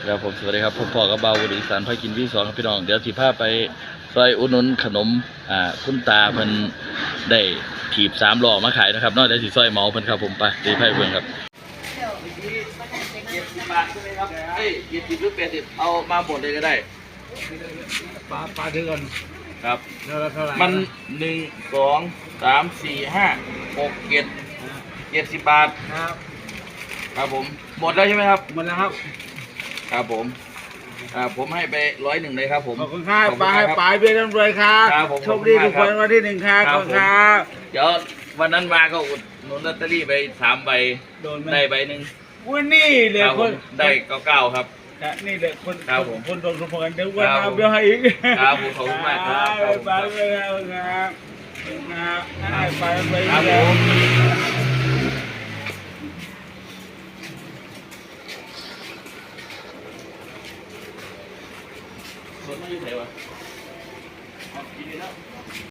ครับผมสวัสดีครับผมพ่อกับเบาบุรีสารพากินวี่สองครับพี่น้องเดี๋ยวสิพาไปซอยอุดหนุนขนมคุณตาเพิ่นได้ถีบ3 ล้อมาขายนะครับนอกจากสิซอยเมาเพิ่นครับผมไปดีไพ่เพิ่นครับ70 บาทใช่ไหมครับเอ้ย70หรือ80เอามาหมดเลยก็ได้ปลาถึงก่อนครับเท่าไหร่มัน1 2 3 4 5 6 7 70 บาทครับครับผมหมดแล้วใช่ไหมครับหมดแล้วครับครับผมผมให้ไป101เลยครับผมขอบคุณครับปลาให้ปลาเบี้ยร่ำรวยครับโชคดีทุกคนวันที่1ครับขอบคุณครับเดี๋ยววันนั้นมาก็อุดหนุนลอตเตอรี่ไป3 ใบได้ใบหนึ่งวันนี้เลยคนได้99ครับนี่เลยคนคนโดนสมกันเดี๋ยววันเอาเบี้ยให้อีกครับผมขอบคุณมากครับปลาไปแล้วครับให้ปลาไปครับผแล้วมส่วนไม่อยู่ไหนวะกินเลยแล้ว